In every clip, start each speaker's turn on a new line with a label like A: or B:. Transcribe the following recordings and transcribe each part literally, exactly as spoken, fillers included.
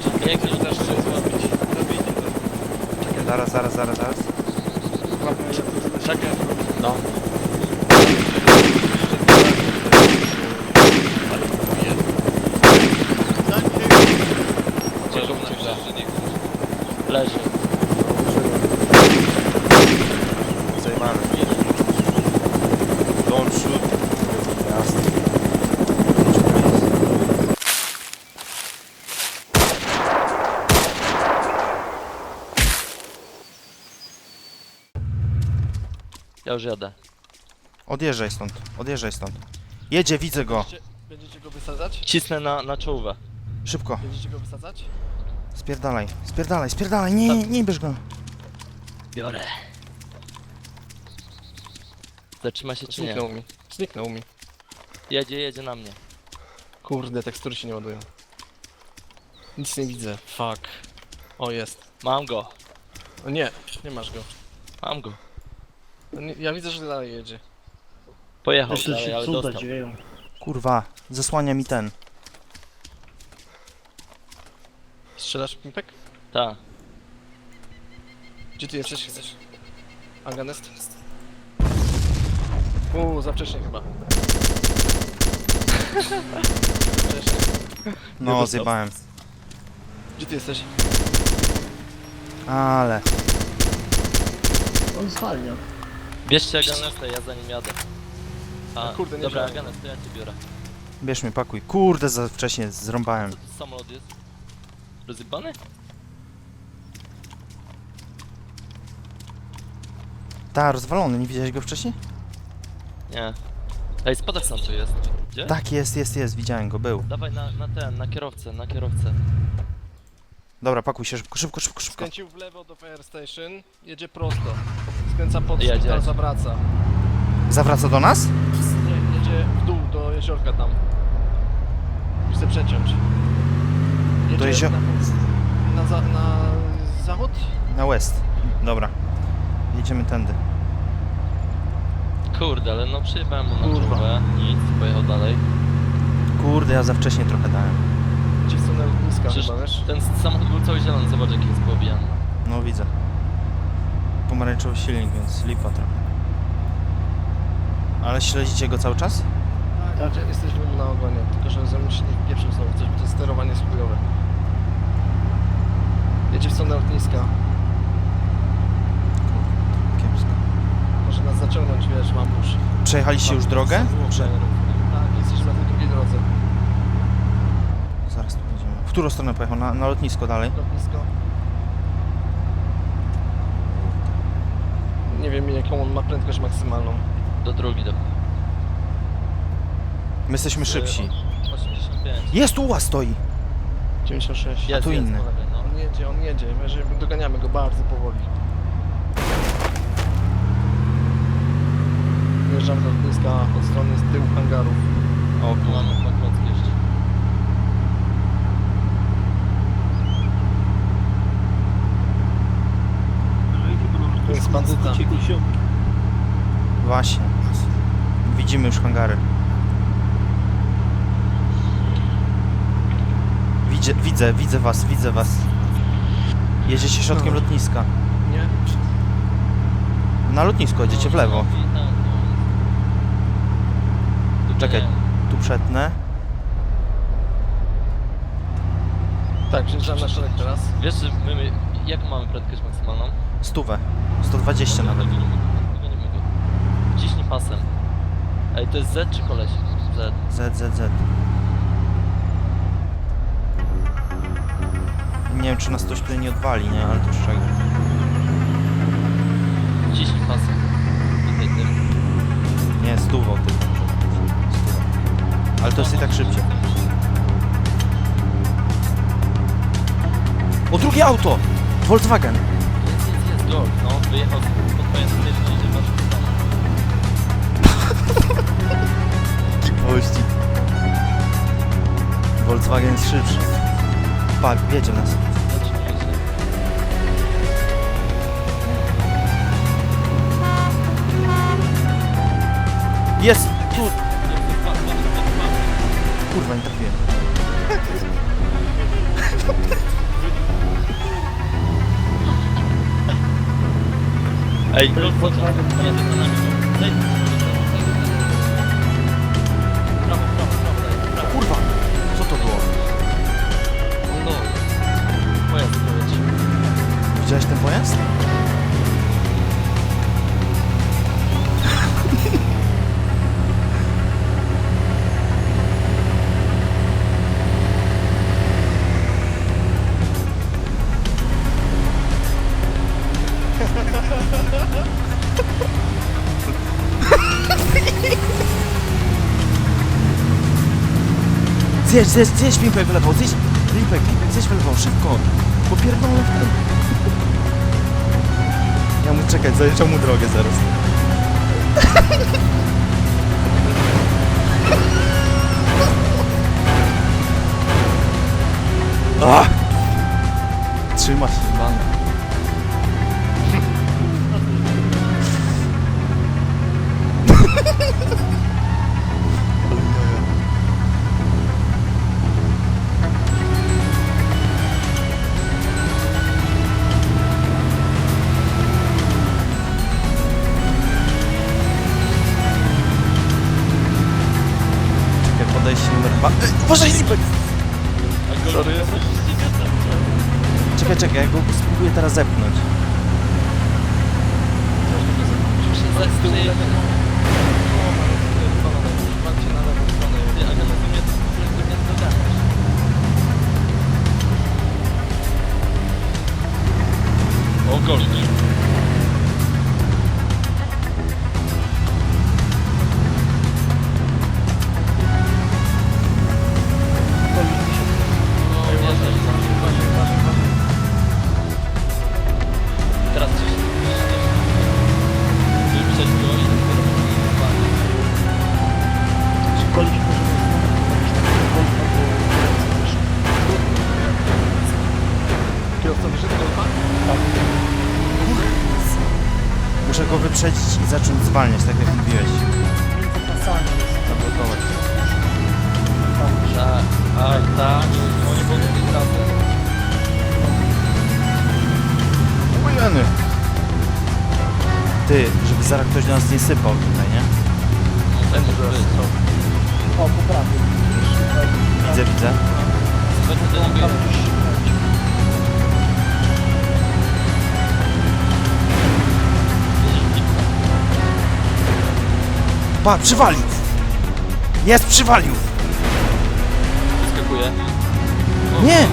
A: Jak to też chcę zrobić? Zabijcie to.
B: Czekaj, zaraz, zaraz, zaraz, zaraz.
A: Łapmy się, czekaj.
C: No.
A: Ale kupuję.
C: Gdzie róbcie grze?
A: Leży.
B: Zajmany. Don't shoot. Jasne.
A: Ja już jadę.
B: Odjeżdżaj stąd, odjeżdżaj stąd. Jedzie, widzę go.
D: Będziecie, będziecie go wysadzać?
A: Cisnę na, na czołówę.
B: Szybko,
D: Będziecie go wysadzać?
B: spierdalaj, spierdalaj, spierdalaj, nie, nie, nie bierz go.
A: Biorę. Zatrzyma się czy nie?
D: Zniknął mi. Zniknął mi.
A: Jedzie, jedzie na mnie.
D: Kurde, tekstury się nie ładują. Nic nie widzę. Fuck. O, jest.
A: Mam go.
D: O nie, nie masz go.
A: Mam go.
D: No nie, ja widzę, że dalej jedzie.
A: Pojechał
E: Jeszcze
A: dalej,
E: się
A: ale
E: cuda
A: dostał.
E: dzieją.
B: Kurwa, zasłania mi ten.
D: Strzelasz pimpek?
A: Tak.
D: Gdzie ty jesteś? Chcesz? Aganest? Uuu, za wcześnie chyba. Wcześnie.
B: No,
A: dostał.
B: zjebałem.
D: Gdzie ty jesteś?
B: Ale.
E: On zwalnia.
A: Bierzcie Aganesta, ja za nim jadę. A,
D: A kurde, nie
A: dobra,
D: wziąłem.
A: Aganest, to ja cię biorę.
B: Bierz mnie, pakuj. Kurde, za wcześnie zrąbałem.
A: Co to samolot jest? Rozjebany?
B: Ta, rozwalony, nie widziałeś go wcześniej?
A: Nie. Ej, spadachron tu jest. Gdzie?
B: Tak, jest, jest, jest, widziałem go, był.
A: Dawaj na, na ten, na kierowcę, na kierowcę.
B: Dobra, pakuj się szybko, szybko, szybko, szybko.
D: Skręcił w lewo do Fire Station. Jedzie prosto. Skręca pod
A: Jedzie,
D: szpital,
A: jedzie.
D: zawraca.
B: Zawraca do nas?
D: Nie, jedzie w dół do jeziorka tam. Chcę przeciąć. Jedzie
B: Do jezio-
D: na, na, za, na zachód?
B: Na west. Dobra. Jedziemy tędy.
A: Kurde, ale no przyjebałem mu na
D: Kurwa.
A: czołówę. Nic, pojechał dalej.
B: Kurde, ja za wcześnie trochę dałem.
D: Gdzie w stronę lotniska
A: Przecież
D: chyba, wiesz?
A: ten samochód był cały zielony, zobacz jaki jest poobijany.
B: No widzę. Pomarańczowy silnik, więc lipa trochę. Ale śledzicie go cały czas?
D: Tak, gdzie jesteśmy na ogonie, tylko że ze mną się nie pieprzył znowu coś, bo to sterowanie jest chujowe. Jedzie w stronę lotniska.
B: Kiepsko.
D: Może nas zaciągnąć, wiesz, mambusz.
B: Przejechaliście już drogę?
A: Prze...
D: Tak, jesteśmy na tej drugiej drodze.
B: Zaraz tu będziemy. W którą stronę pojechał? Na, na lotnisko dalej?
D: Lotnisko. Nie wiem jaką on ma prędkość maksymalną.
A: Do drugi do...
B: My jesteśmy szybsi.
A: osiemdziesiąt pięć.
B: Jest, tu ułaz stoi!
D: dziewięćdziesiąt sześć.
A: Jest,
B: tu
A: jest,
B: inny.
A: po lewej, no.
D: On jedzie, on jedzie. My że doganiamy go bardzo powoli. Wjeżdżamy do lotniska od strony z tyłu hangarów.
B: O
A: Mamy
B: kurwa.
A: dwa klocki jeszcze.
D: To jest bandyta.
B: Właśnie. Widzimy już hangary. Widzę, widzę, widzę was, widzę was. Jedziecie środkiem
D: No.
B: lotniska.
D: Nie?
B: Na lotnisko jedziecie w lewo.
A: No, i tak, no. Tu
B: Czekaj.
A: nie.
B: Tu przetnę.
D: Tak, wjeżdżamy na szereg teraz.
A: Wiesz, że my, my jaką mamy prędkość maksymalną?
B: Stówę. sto dwadzieścia nawet.
A: Dogonimy go, dogonimy go. Ciśnij pasem. Ej, to jest Z czy koleś? Z.
B: Z, Z, Z. Nie wiem, czy nas ktoś tutaj nie odwali, nie? Ale to już czego.
A: Ciśnij pasem. Tutaj tym.
B: Nie, stówą tylko. Stówą. Ale to jest i tak szybciej. O, drugie auto! Volkswagen!
A: Jest, jest, jest, George, no. Wyjechał pod twoją stycznię, idzie w naszą stronę.
B: Pościg. Volkswagen jest szybszy. Patrz, wiedzie nas.
A: Zatrzymuje się.
B: Jest! Tu!
A: Jest, jest, patrz, patrz, patrz, patrz.
B: Kurwa, nie trafiłem.
A: Ej, go co to? Jedzie za nami. Daj, prawo, prawo, prawo, daj, prawo.
B: Kurwa! Co to było?
A: No, pojazd poleci.
B: Widziałeś ten pojazd? Zjedź, zjedź, zjedź Pimpek w lewo, zjedź, Pimpek, Pimpek, zjedź w lewo, szybko, popierdolę w ten. Ja mu czekać, zajeżdżam mu drogę zaraz. Ah! Trzyma się, man. Czekaj, podejście numer dwa. Uważaj, Lipek!
D: Sorry.
B: Czekaj, czekaj, ja go spróbuję teraz zepchnąć.
A: Z tyłu lewo.
D: Patrzcie na lewą stronę.
A: Ty, ale to mnie to mnie doganiasz. O, gorzej. O, wierzę, że tam się uważaj, uważaj, uważaj. Teraz coś wyprzeć go i dopiero uważaj.
C: Szkolić
D: Kierowca wyszedł do golfa?
B: Muszę go wyprzedzić i zacząć zwalniać, tak jak mówiłeś. Zablokować.
A: Tak, tak, tak. Oni mogą być razem.
B: Ujeny. Ty, żeby zaraz ktoś do nas nie sypał tutaj, nie?
A: Tak może być.
C: O, poprawię.
B: Widzę, widzę.
A: Będę do niego jechać.
B: Pa, przywalił! Jest, przywalił!
A: Wyskakuje.
B: Nie!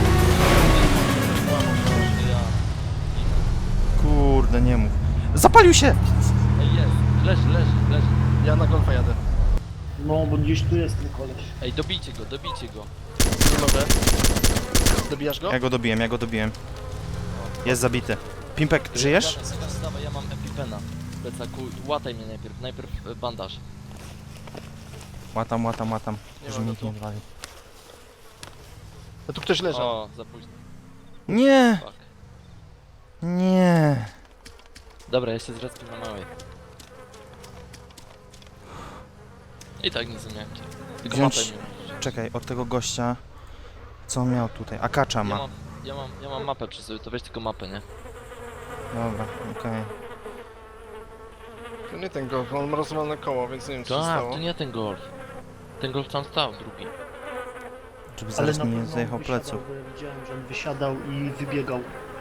A: Ja.
B: Kurde, nie mów. Zapalił się!
A: Ej, jest. Leży, leży, leży.
D: Ja na golfa jadę.
C: No, bo gdzieś tu jest ten koleś.
A: Ej, dobijcie go, dobijcie go.
D: Nie mogę. Dobijasz go?
B: Ja go dobiłem, ja go dobiłem. Jest zabity. Pimpek, żyjesz?
A: Dawaj, dawaj, dawaj, ja mam epipena. W plecaku. Łataj mnie najpierw. Najpierw e, bandaż.
B: Łatam, łatam, łatam.
D: Nie
B: Że
D: ma
B: mi
D: go
B: nikt
D: tu.
B: nie odwalił.
D: A tu ktoś leżał.
A: O, za późno.
B: Nie!
A: Fuck.
B: Nie!
A: Dobra, ja się zrespię na małej. I tak nic nie miałem. Tylko
B: Wziąć-
A: mapę mi użyć.
B: Czekaj, od tego gościa... Co on miał tutaj? Akacza
A: Ja
B: ma.
A: mam, ja mam, ja mam mapę przy sobie, to weź tylko mapę, nie?
B: Dobra, okej.
D: To nie ten golf, on ma rozwalone koło, więc nie wiem co się
A: Tak,
D: stało.
A: to nie ten golf. Ten golf tam stał, drugi.
B: Żeby
C: Ale
B: zaraz
C: na
B: mi nie
C: pewno
B: zajechał
C: on wysiadał,
B: pleców.
C: bo ja widziałem, że on wysiadał i wybiegał.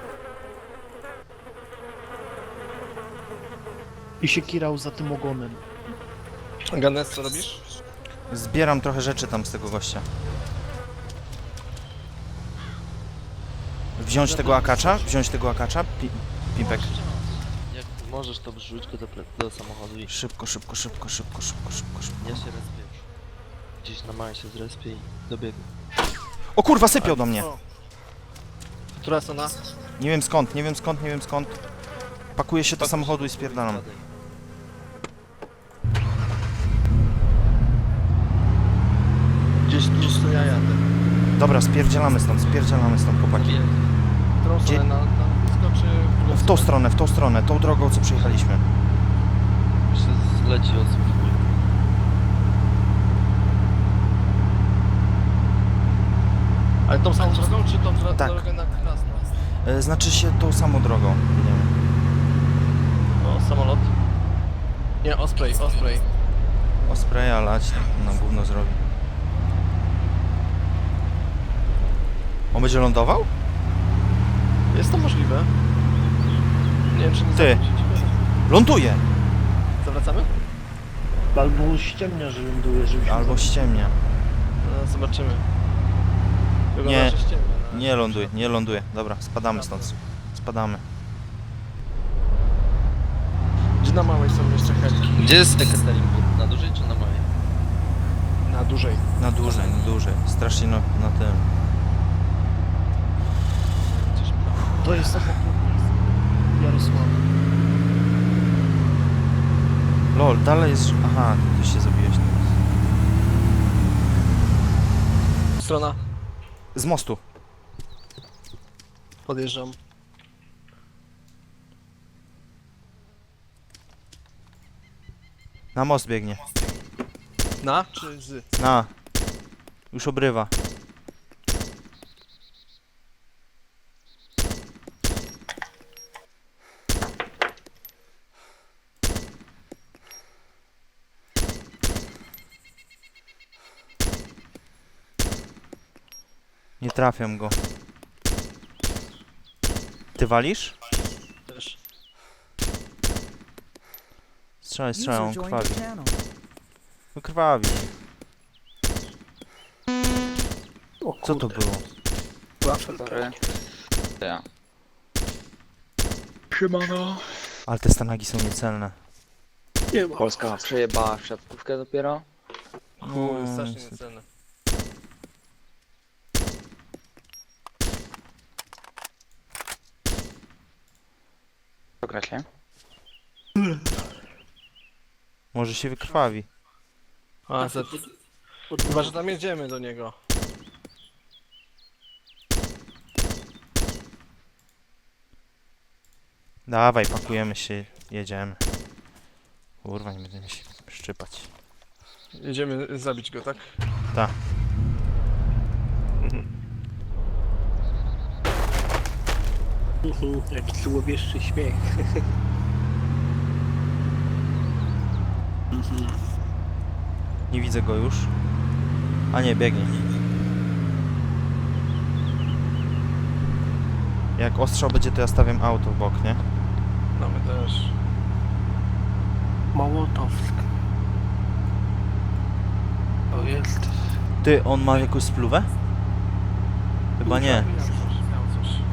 C: I się kirał za tym ogonem.
D: Ganes, co robisz?
B: Zbieram trochę rzeczy tam z tego gościa. Wziąć tego akacza? Wziąć tego akacza? Pi Pimpek.
A: Jak możesz, to wrzuć go do, ple- do samochodu i
B: Szybko, szybko, szybko, szybko, szybko, szybko, szybko.
A: ja się respię już. Gdzieś na małej się zrespię i dobiegł.
B: O kurwa, sypiał do mnie!
D: O. Która strona?
B: Nie wiem skąd, nie wiem skąd, nie wiem skąd. Pakuję się do samochodu i spierdalam.
D: Gdzieś tu, co ja jadę.
B: Dobra, spierdzielamy stąd, spierdzielamy stąd, chłopaki.
A: Mówię,
D: W którą
B: Gdzie-
D: stronę? Na, na lotnisko, czy w drugą
B: W tą stronę, w tą stronę, tą drogą, co przyjechaliśmy.
A: się zleci osób.
D: Ale tą samą drogą, czy tą dro-
B: Tak.
D: drogę na Krasno?
B: E, znaczy się tą samą drogą. Nie wiem.
D: O, samolot. Nie, Osprey, Osprey.
B: Ospreja lać, na gówno zrobi. On będzie lądował?
D: Jest to możliwe. Nie wiem, czy nie
B: Ty.
D: zawrócić.
B: Ląduje!
D: Zawracamy?
C: Albo ściemnia, że ląduje, żebyśmy...
B: Albo ściemnia.
D: No, zobaczymy. Wygląda,
B: Nie.
D: że ściemnia, no.
B: Nie ląduje, nie ląduje. Dobra, spadamy stąd. Spadamy.
D: Gdzie na małej są jeszcze helki?
A: Gdzie jest Ekaterinburg? Na dużej czy na małej?
D: Na dużej.
B: Na dłużej, na dłużej. Strasznie na, na tym.
A: Gdzieś
C: To jest obok Jarosław.
B: Lol, dalej jest... Aha, ty się zabiłeś teraz.
D: Strona.
B: Z mostu.
D: Podjeżdżam.
B: Na most biegnie.
D: Na czy z?
B: Na. Już obrywa. Nie trafiam go. Ty walisz?
D: Też.
B: Strzelaj, strzelaj, on
E: User joined your
B: krwawi.
E: channel.
B: No krwawi.
C: O
B: Co to było?
F: Sorry. Ja.
C: Siemano.
B: Ale te stanagi są niecelne.
C: Nie ma.
F: Polska przejebała w siatkówkę dopiero.
D: Chuj,
B: No,
D: strasznie
B: niestety.
D: niecelne.
F: Pograć, nie?
B: Może się wykrwawi.
D: A, Z. Chyba, że tam jedziemy do niego.
B: Dawaj, pakujemy się, jedziemy. Kurwa, nie będziemy się szczypać.
D: Jedziemy zabić go, tak?
B: Tak.
G: Jaki złowieszczy śmiech.
B: Nie widzę go już. A nie, biegnie. Jak ostrzał będzie, to ja stawiam auto w bok, nie?
D: No my też.
G: Małotowsk. To jest...
B: Ty, on ma jakąś spluwę? Chyba nie.
D: Miał coś, miał coś.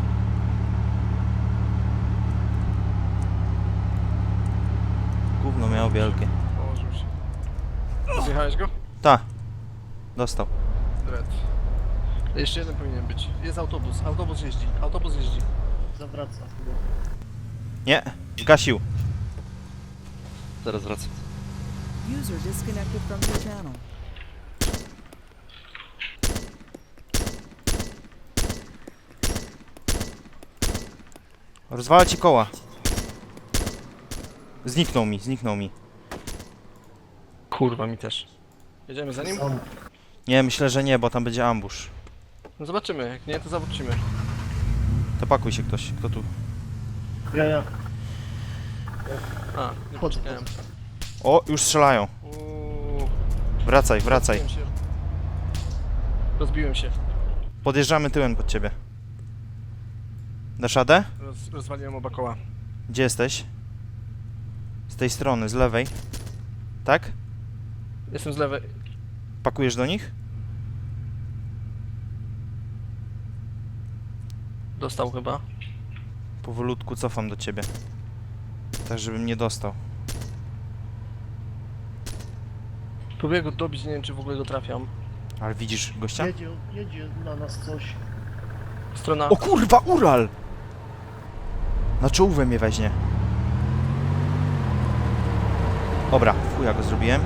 B: Gówno miał wielkie.
D: Położył się. Zjechałeś go?
B: Ta. Dostał.
D: Dread. Jeszcze jeden powinien być. Jest autobus. Autobus jeździ. Autobus jeździ.
C: Zawraca chyba.
B: Nie, zgasił.
A: Zaraz wracam.
E: User disconnected from your channel.
B: Rozwala ci koła. Zniknął mi, zniknął mi.
D: Kurwa, mi też. Jedziemy za nim?
C: Są.
B: Nie, myślę, że nie, bo tam będzie ambush.
D: No zobaczymy. Jak nie, to zawrócimy.
B: To pakuj się ktoś, kto tu.
C: Ja, ja.
D: A, nie
C: Chodzę,
D: poczekałem.
B: O, już strzelają.
D: Uuu,
B: Wracaj, wracaj.
D: rozbiłem się. Rozbiłem się.
B: Podjeżdżamy tyłem pod ciebie. Dasz radę?
D: Roz, rozwaliłem oba koła.
B: Gdzie jesteś? Z tej strony, z lewej. Tak?
D: Jestem z lewej.
B: Pakujesz do nich?
D: Dostał chyba.
B: Powolutku cofam do ciebie. Tak, żebym nie dostał.
D: Próbuję go dobić, nie wiem czy w ogóle go trafiam.
B: Ale widzisz gościa?
C: Jedzie, jedzie na nas coś.
D: Strona.
B: O kurwa, Ural! Na czołówę mnie weźmie. Dobra, chuja go zrobiłem.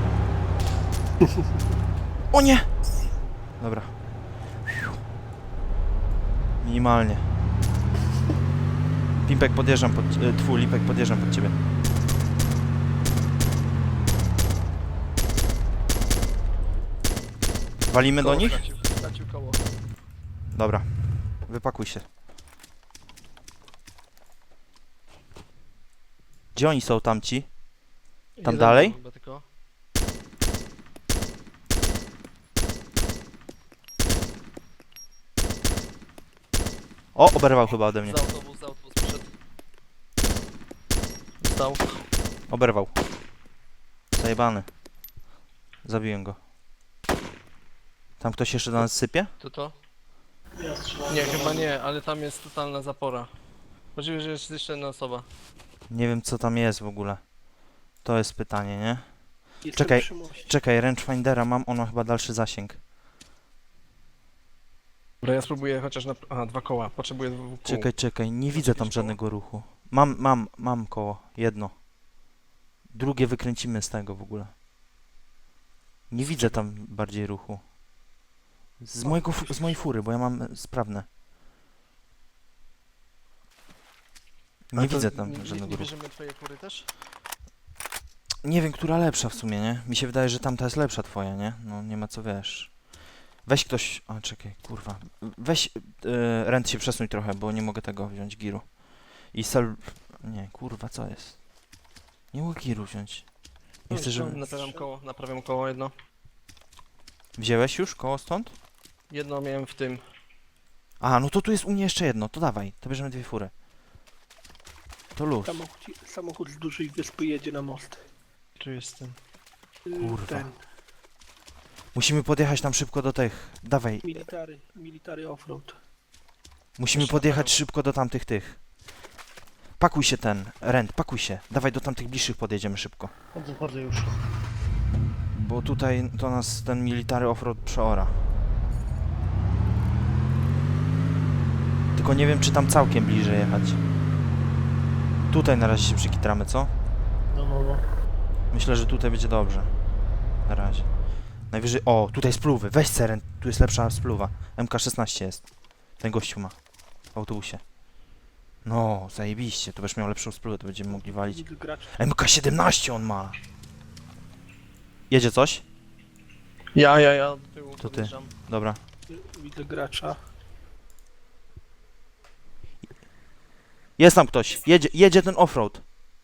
B: O nie! Dobra. Minimalnie. Pimpek podjeżdżam pod... E, tfu, Lipek podjeżdżam pod ciebie. Walimy do
D: Koło
B: nich?
D: Stracił, stracił koło.
B: Dobra. Wypakuj się. Gdzie oni są tamci? Tam
D: Jeden
B: dalej?
D: chyba tylko.
B: O, oberwał chyba ode mnie.
A: Za autobus, za autobus przyszedł.
D: Stał.
B: Oberwał. Zajebany. Zabiłem go. Tam ktoś jeszcze do nas sypie?
D: To to?
C: Ja strzelam.
D: Nie, chyba nie, ale tam jest totalna zapora. Możliwe, że jest jeszcze jedna osoba.
B: Nie wiem co tam jest w ogóle. To jest pytanie, nie?
G: Jestem
B: Czekaj.
G: przy moście.
B: Czekaj, rangefindera mam, on ma chyba dalszy zasięg.
D: Dobra, ja spróbuję chociaż na... Aha, dwa koła. Potrzebuję dwóch kół.
B: Czekaj, czekaj, nie widzę tam
D: jakieś koło?
B: żadnego ruchu. Mam, mam, mam koło, jedno. Drugie wykręcimy z tego w ogóle. Nie widzę tam bardziej ruchu. Z mojego, fu- z mojej fury, bo ja mam e, sprawne. Nie
D: Ale to
B: widzę tam
D: nie, nie,
B: żadnego
D: nie
B: ruchu.
D: bierzemy twojej kury też?
B: Nie wiem, która lepsza w sumie, nie? Mi się wydaje, że tamta jest lepsza twoja, nie? No nie ma co wiesz. Weź ktoś... A, czekaj, kurwa. Weź... Yy, Rent się przesuń trochę, bo nie mogę tego wziąć giru. I sel... Nie, kurwa, co jest? Nie mogę giru wziąć. Nie chcę, żeby...
D: Naprawiam koło, naprawiam koło jedno.
B: Wziąłeś już koło stąd?
D: Jedno miałem w tym.
B: Aha, no to tu jest u mnie jeszcze jedno, to dawaj, to bierzemy dwie fury. To luz.
G: Samochód, samochód z dużej wyspy jedzie na most.
D: Tu jestem.
G: Y,
B: Kurwa.
G: Ten,
B: Musimy podjechać tam szybko do tych. Dawaj,
G: military, military offroad.
B: musimy podjechać szybko do tamtych tych. Pakuj się ten, Rent, pakuj się. Dawaj do tamtych bliższych podjedziemy szybko.
C: Chodzę, chodzę już.
B: Bo tutaj to nas ten military offroad przeora. Tylko nie wiem, czy tam całkiem bliżej jechać. Tutaj na razie się przykitramy, co?
C: No, no, no.
B: Myślę, że tutaj będzie dobrze. Na razie. Najwyżej... O, tutaj spluwy. Weź seren. Tu jest lepsza spluwa. M K szesnaście jest. Ten gościu ma. W autobusie. No, zajebiście. To będziesz miał lepszą spluwę, to będziemy mogli walić.
G: Widzę gracz.
B: M K siedemnaście on ma. Jedzie coś?
D: Ja, ja, ja do tyłu
B: To ty.
D: podjeżdżam.
B: Dobra.
G: Y, Widzę gracza.
B: Jest tam ktoś. Jedzie, jedzie ten offroad.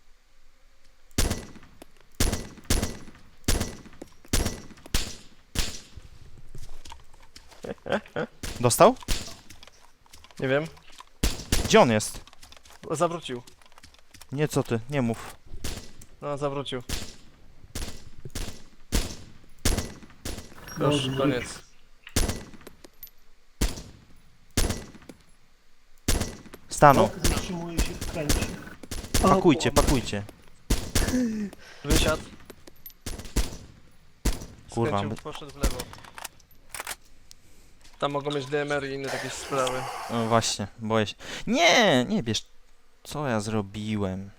B: Dostał?
D: Nie wiem.
B: Gdzie on jest?
D: O, zawrócił.
B: Nie, co ty? Nie mów.
D: No, zawrócił.
C: No,
D: Już,
C: no,
D: koniec.
B: Stanął.
C: No, zatrzymuje się w kręcie.
B: Pakujcie, pakujcie.
D: Wysiadł.
B: Kurwa,
D: Skręcił,
B: my-
D: poszedł w lewo. Tam mogą mieć D M R i inne takie sprawy.
B: No właśnie, boję się. Nie, nie bierz. Co ja zrobiłem?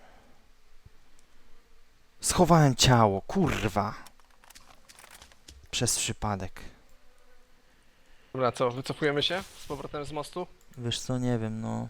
B: Schowałem ciało, kurwa. Przez przypadek.
D: Dobra, co, wycofujemy się z powrotem z mostu?
B: Wiesz co, nie wiem, no.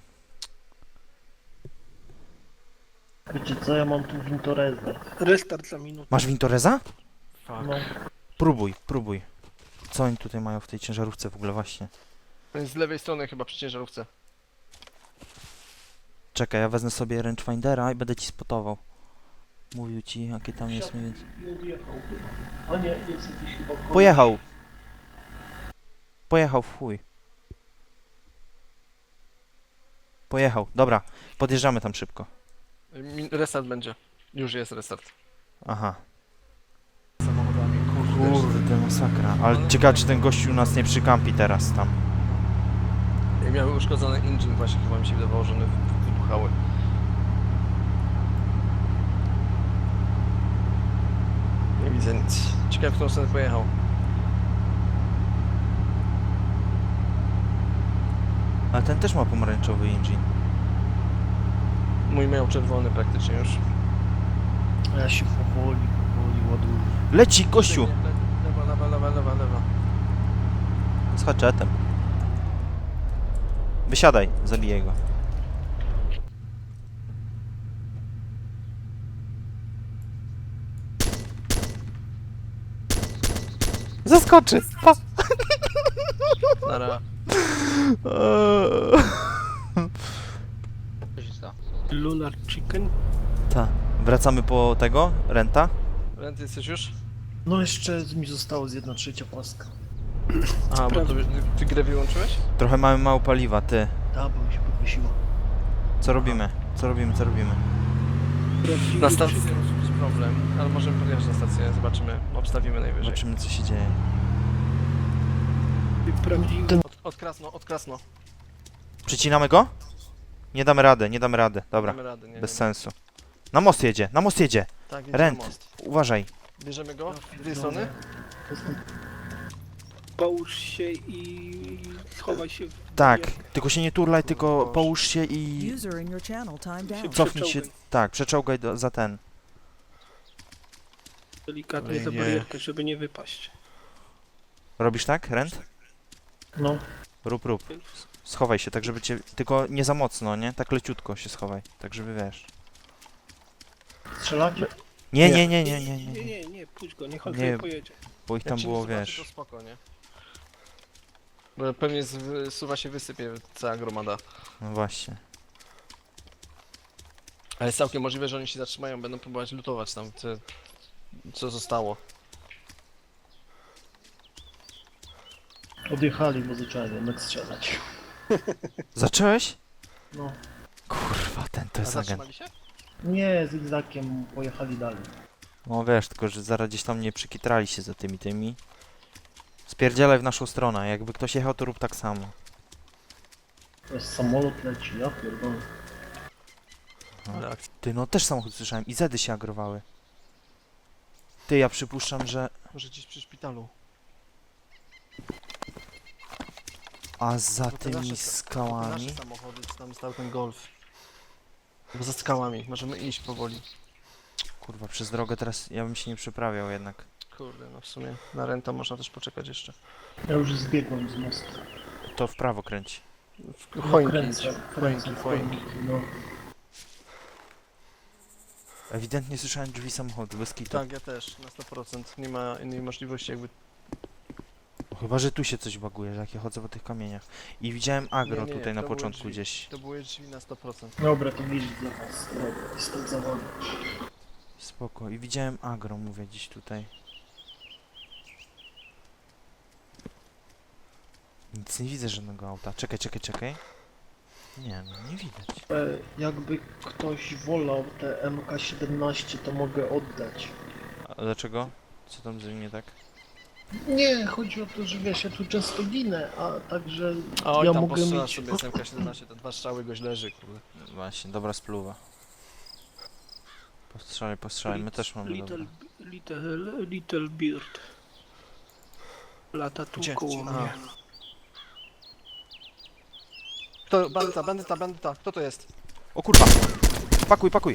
C: Wiecie co, ja mam tu Wintorezę.
G: Restart za minutę.
B: Masz Wintoreza?
D: Fuck.
C: No,
B: Próbuj, próbuj. Co oni tutaj mają w tej ciężarówce w ogóle właśnie?
D: Z lewej strony chyba przy ciężarówce.
B: Czekaj, ja wezmę sobie rangefindera i będę ci spotował. Mówił ci, jakie tam jest mniej więcej.
C: nie odjechał chyba. A nie, jest jakiś chyba koleś.
B: Pojechał. Pojechał w chuj. Pojechał, dobra. Podjeżdżamy tam szybko.
D: Mi- Restart będzie. Już jest restart.
B: Aha.
D: Samochodami, kurde.
B: Kurde, masakra. Ale ciekawe, czy ten gościu nas nie przykampi teraz tam.
D: Jak miały uszkodzony engine właśnie, chyba mi się wydawało, że one wy- wybuchały. Nie widzę nic. Ciekawe, w którą stronę pojechał.
B: Ale ten też ma pomarańczowy engine.
D: Mój miał czerwony praktycznie już.
C: A ja się powoli, powoli ładuję.
B: Leci, gościu!
D: Lewa, lewa, lewa, lewa, lewa.
B: Z haczetem. Wysiadaj, zabiję go. Zaskoczy! Pa.
D: Nara.
F: Co się stało?
G: Lunar Chicken.
B: Ta. Wracamy po tego? Renta?
D: Rent jesteś już?
C: No jeszcze mi zostało z jedna trzecia paska.
D: A, bo to, ty grę wyłączyłeś?
B: Trochę mamy mało paliwa, ty.
C: Ta, bo mi się podwiesiło.
B: Co robimy? Co robimy, co robimy?
D: Na stacji może być problem, ale możemy podjechać na stację, zobaczymy, obstawimy najwyżej.
B: Zobaczymy co się dzieje.
G: Prawdziwy.
D: Od, od Krasno, od Krasno.
B: Przycinamy go? Nie damy rady, nie damy rady. Dobra,
D: Damy rady, nie,
B: bez
D: nie.
B: sensu. Na most jedzie, na most jedzie.
D: Tak, jedzie
B: Rent.
D: na most.
B: Uważaj.
D: Bierzemy go? Z tej strony?
G: Połóż się i schowaj się w
B: Tak,
G: barierkę.
B: tylko się nie turlaj, tylko
D: Boże.
B: połóż się i
E: User in your channel timed
G: Się
E: out.
B: cofnij się.
G: przeczołgaj.
B: Tak, przeczołgaj do, za ten.
G: Delikatnie za
D: Nie.
G: barierkę, żeby nie wypaść.
B: Robisz tak, Rent?
C: No,
B: Rób, rób. Schowaj się, tak żeby cię... Tylko nie za mocno, nie? Tak leciutko się schowaj, tak żeby wiesz.
C: strzelacie?
B: Nie,
D: Nie.
B: nie, nie, nie, nie,
G: Nie,
B: nie,
G: nie, nie, puść go, niech on
B: Nie.
G: sobie pojedzie.
B: bo ich
D: Jak
B: tam
D: cię
B: było,
D: nie zobaczy,
B: wiesz...
D: to spoko, nie? Bo pewnie z, suwa się wysypie cała gromada.
B: No właśnie.
D: Ale jest całkiem możliwe, że oni się zatrzymają, będą próbować lutować tam, co, co zostało.
C: Odjechali, bo zacząłem jednak strzelać.
B: Zacząłeś?
C: No.
B: Kurwa, ten to
D: A
B: jest agent.
D: zatrzymali się?
C: Nie, zygzakiem pojechali dalej.
B: No wiesz, tylko że zaraz gdzieś tam nie przykitrali się za tymi tymi. Spierdzielaj w naszą stronę, jakby ktoś jechał, to rób tak samo.
C: To jest samolot leci, ja pierdolę.
D: Ale ak-
B: Ty, no też samochód słyszałem i zedy się agrowały. Ty, ja przypuszczam, że...
D: Może gdzieś przy szpitalu.
B: A za
D: Bo te
B: tymi
D: nasze sa- Te
B: skałami...
D: nasze samochody, czy tam stał ten Golf. Bo za skałami, możemy iść powoli.
B: Kurwa, przez drogę teraz ja bym się nie przeprawiał jednak.
D: Kurde, no w sumie na renta można też poczekać jeszcze.
C: Ja już zbiegłem z mostu.
B: To w prawo kręci.
D: W
C: No,
D: choinki,
C: kręcę,
D: idź.
C: kręcę,
D: choinki, choinki.
C: no.
B: Ewidentnie słyszałem drzwi samochodu, bez kitu.
D: Tak, ja też, na sto procent. Nie ma innej możliwości jakby...
B: No, chyba, że tu się coś baguje, że jak ja chodzę po tych kamieniach. I widziałem agro
D: Nie, nie,
B: tutaj na
D: to były
B: początku
D: drzwi.
B: gdzieś.
D: To były drzwi na sto procent.
C: Dobra, to widzisz dla was. Dobra, jestem za wami.
B: Spoko. I widziałem agro, mówię, gdzieś tutaj. Nic nie widzę żadnego auta. Czekaj, czekaj, czekaj. Nie, no nie widać.
C: E, jakby ktoś wolał te M K siedemnaście, to mogę oddać.
B: A dlaczego? Co tam z nim nie tak?
C: Nie, chodzi o to, że wiesz, ja tu często ginę, a także
D: Oj,
C: ja
D: tam
C: mogę
D: postrzela
C: mieć...
D: sobie z M K siedemnaście, te dwa strzały goś leży, kurde.
B: Właśnie, dobra spluwa. Postrzelaj, postrzelaj, my też mamy
G: Little,
B: dobra.
G: little, little Beard. Lata tu
D: Gdzie?
G: koło
D: A.
G: mnie.
D: Kto? Bandyta, bandyta, bandyta, kto to jest?
B: O kurwa! Pakuj, pakuj!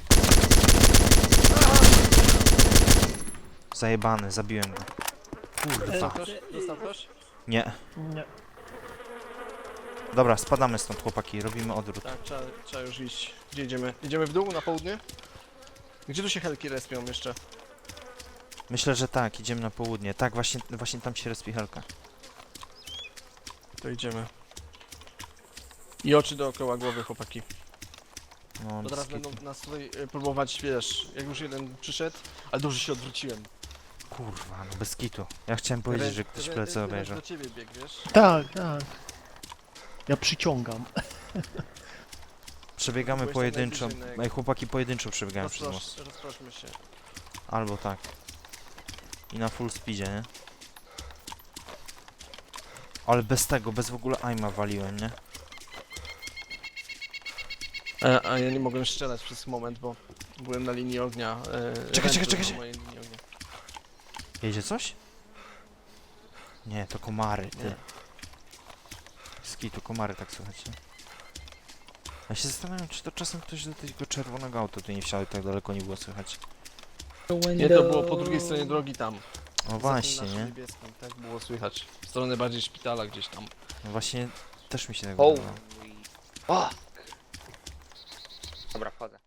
B: Zajebany, zabiłem go. Kurwa.
D: Dostał ktoś? Dostał ktoś?
B: Nie.
C: Nie.
B: Dobra, spadamy stąd chłopaki, robimy odwrót.
D: Tak, trzeba, trzeba już iść. Gdzie idziemy? Idziemy w dół, na południe? Gdzie tu się helki respią jeszcze?
B: Myślę, że tak, idziemy na południe. Tak, właśnie, właśnie tam się respi helka.
D: To idziemy. I oczy dookoła głowy, chłopaki.
B: No,
D: Bo teraz
B: bez kitu.
D: będą nas tutaj y, próbować, wiesz, jak już jeden przyszedł, ale dobrze się odwróciłem.
B: Kurwa, no bez kitu. Ja chciałem powiedzieć, że ktoś
D: Re-
B: plecy
D: re-
B: obejrzał.
D: do ciebie bieg, wiesz?
C: Tak, tak. Ja przyciągam.
B: Przebiegamy
D: Byłeś tam
B: pojedynczo.
D: najbliżej na jego-
B: Ej, chłopaki pojedynczo przebiegają przez most.
D: Rozprosz, rozproszmy się.
B: Albo tak. I na full speedzie, nie? Ale bez tego, bez w ogóle aima waliłem, nie?
D: A, a ja nie mogłem strzelać przez moment, bo byłem na linii ognia. E,
B: Czekaj, czekaj,
D: ręce
B: czekaj,
D: na
B: czekaj.
D: mojej linii ognia.
B: Jedzie coś? Nie, to komary, ty.
D: Nie.
B: Ski, to komary, tak słuchajcie. Ja się zastanawiam, czy to czasem ktoś do tego czerwonego auta tu nie wsiadł, tak daleko nie było słychać.
D: Nie, to było po drugiej stronie drogi tam.
B: No
D: Za tym
B: właśnie,
D: naszym
B: nie?
D: niebieskim, tak było słychać. W stronę bardziej szpitala gdzieś tam.
B: No właśnie, też mi się tak
F: Oh.
B: wydawało.
F: Fuck. Dobra, wchodzę.